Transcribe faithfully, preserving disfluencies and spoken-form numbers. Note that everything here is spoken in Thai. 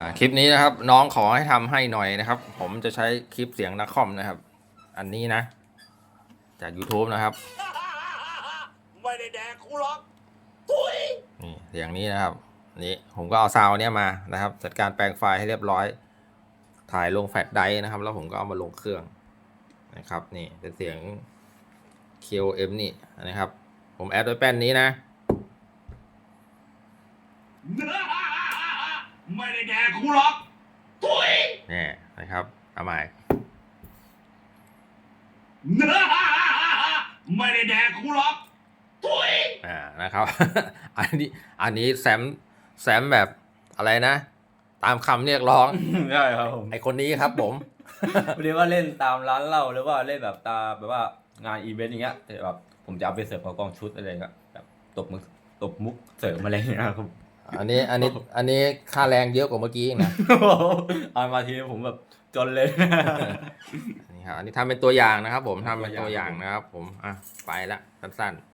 อ่าคลิปนี้นะครับน้องขอให้ทำให้หน่อยนะครับ ผมจะใช้คลิปเสียงนักคอมนะครับ อันนี้นะ จาก YouTube นะครับไม่ได้แดกกูหรอกทุยนี่เสียงนี้นะครับนี่ผมก็เอาซาวน์เนี้ยมานะครับ จัดการแปลงไฟล์ให้เรียบร้อย ถ่ายลงแฟลชไดรฟ์นะครับ แล้วผมก็เอามาลงเครื่องนะครับ นี่เป็นเสียง คิ โอ เอ็ม นี่นะครับ ผมแอดไว้แป้นนี้นะไม่ได้แดกกูหรอกทุยนี่นะครับเอาใหม่ไม่ได้แดกกูหรอกทุยอ่านะครับ อันนี้อันนี้แซมแซมแบบอะไรนะ ตามคำเรียกร้องใช่ครับผมไอคนนี้ครับผมพอดีว่าเล่นตามร้านเหล้าหรือว่าเล่นแบบตามแบบว่างานอีเวนต์อย่างเงี้ยแต่แบบผมจะเอาไปเสิร์ฟกับกองชุดอะไรเงี้ยแบบตบมุกตบมุกเสริมอะไรอย่างเงี้ยครับอันนี้อันนี้อันนี้ค่าแรงเยอะกว่าเมื่อกี้อีกนะเอามาทีผมแบบจนเลยนี่ครับอันนี้ทำเป็นตัวอย่างนะครับ ผมทำเป็นตัตัววอย่อาย่าง งนะครับ ผมอ่ะไปละสั้นๆ